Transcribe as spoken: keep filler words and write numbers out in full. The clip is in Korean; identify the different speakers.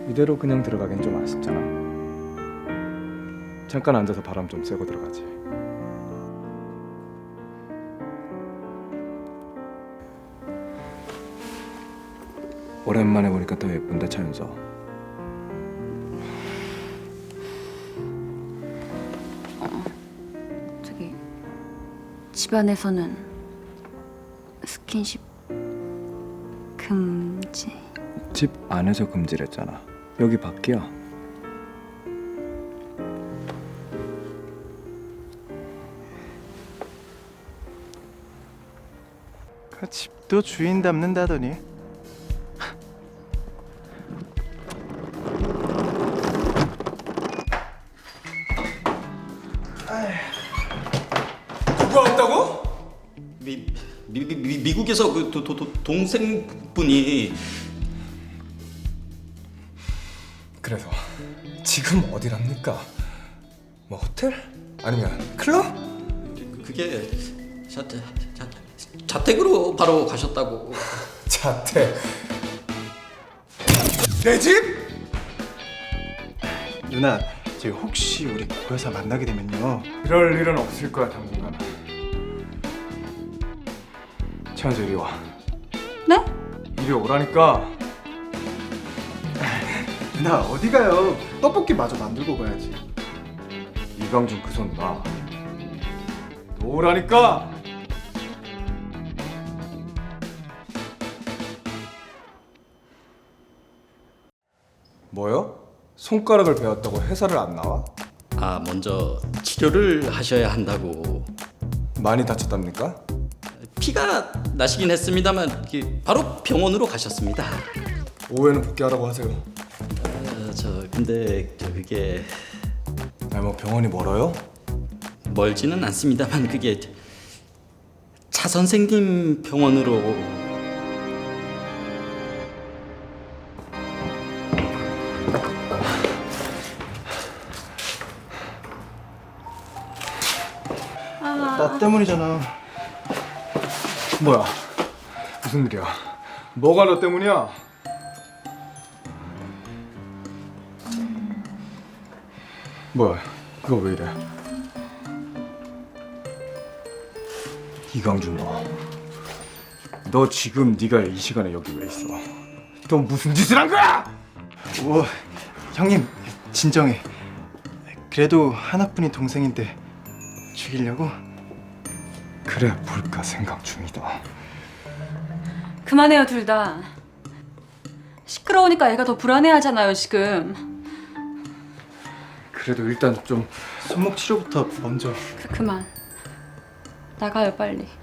Speaker 1: 이대로 그냥 들어가긴 좀 아쉽잖아. 잠깐 앉아서 바람 좀 쐬고 들어가지. 오랜만에 보니까 더 예쁜데 차윤서.
Speaker 2: 저기 집안에서는 스킨십 금지.
Speaker 1: 집 안에서 금지랬잖아. 여기 밖이야.
Speaker 3: 그 집도 주인 닮는다더니.
Speaker 4: 누가 왔다고?
Speaker 5: 미, 미, 미, 미, 미국에서 그 도, 도, 도, 동생분이.
Speaker 4: 그래서 지금 어디랍니까? 뭐 호텔? 아니면 클럽?
Speaker 5: 그게 자, 자, 자, 자택으로 바로 가셨다고.
Speaker 4: 자택. 내 집?
Speaker 3: 누나, 저 혹시 우리 고여사 만나게 되면요.
Speaker 1: 그럴 일은 없을 거야 당분간. 차윤서 이리 와.
Speaker 2: 네?
Speaker 1: 이리 오라니까.
Speaker 3: 누나 어디 가요? 떡볶이 마저 만들고 가야지.
Speaker 1: 이강준 그 손 놔. 놓으라니까. 뭐요? 손가락을 베었다고 회사를 안 나와?
Speaker 5: 아, 먼저 치료를 하셔야 한다고.
Speaker 1: 많이 다쳤답니까?
Speaker 5: 피가 나시긴 했습니다만 그 바로 병원으로 가셨습니다.
Speaker 1: 오후에는 복귀하라고 하세요.
Speaker 5: 어, 저 근데 저 그게
Speaker 1: 아니 뭐 병원이 멀어요?
Speaker 5: 멀지는 않습니다만 그게 차 선생님 병원으로.
Speaker 3: 나 때문이잖아.
Speaker 1: 뭐야? 무슨 일이야? 뭐가 너 때문이야? 뭐야? 이거 왜 이래? 이강준 너. 너 지금 네가 이 시간에 여기 왜 있어? 너 무슨 짓을 한 거야?
Speaker 3: 오, 형님 진정해. 그래도 하나뿐인 동생인데 죽이려고?
Speaker 1: 그래 볼까 생각 중이다.
Speaker 2: 그만해요 둘 다. 시끄러우니까 애가 더 불안해하잖아요 지금.
Speaker 1: 그래도 일단 좀
Speaker 3: 손목 치료부터 먼저.
Speaker 2: 그, 그만 나가요 빨리.